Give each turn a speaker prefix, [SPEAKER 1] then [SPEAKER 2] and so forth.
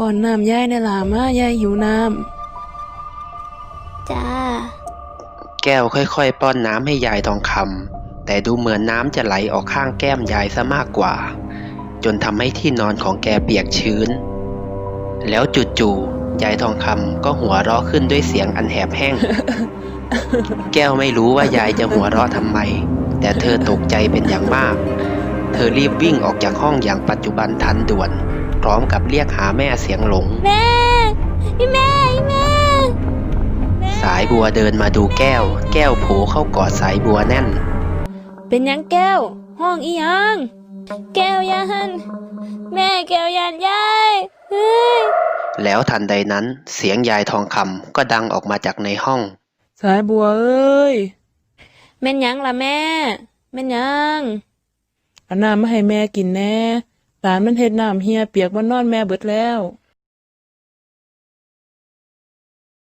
[SPEAKER 1] ป้อนน้ำยายในหลามายายหิวน้ำ
[SPEAKER 2] จ้า
[SPEAKER 3] แก้วค่อยๆป้อนน้ำให้ยายทองคำแต่ดูเหมือนน้ำจะไหลออกข้างแก้มยายซะมากกว่าจนทำให้ที่นอนของแกเปียกชื้นแล้วจู่ๆยายทองคำก็หัวเราะขึ้นด้วยเสียงอันแหบแห้ง แก้วไม่รู้ว่ายายจะหัวเราะทำไมแต่เธอตกใจเป็นอย่างมากเธอรีบวิ่งออกจากห้องอย่างปัจจุบันทันด่วนพร้อมกับเรียกหาแม่เสียงหลง
[SPEAKER 2] แม่พี่แม่พี่แม่
[SPEAKER 3] สายบัวเดินมาดูแก้วโผล่เข้ากอดสายบัวแน่น
[SPEAKER 1] เป็นยังแก้วห้องอีหยัง
[SPEAKER 2] แก้วยันแม่แก้วยันยายเฮ้ย
[SPEAKER 3] แล้วทันใดนั้นเสียงยายทองคำก็ดังออกมาจากในห้อง
[SPEAKER 1] สายบัวเอ้ย
[SPEAKER 2] แม่นยังล่ะแม่แม่นยัง
[SPEAKER 1] เอาน้ำมาให้แม่กินแน่หลานมันเฮ็ดน้ำเหี่ยเปียกบ่นอนแม่เบิดแล้ว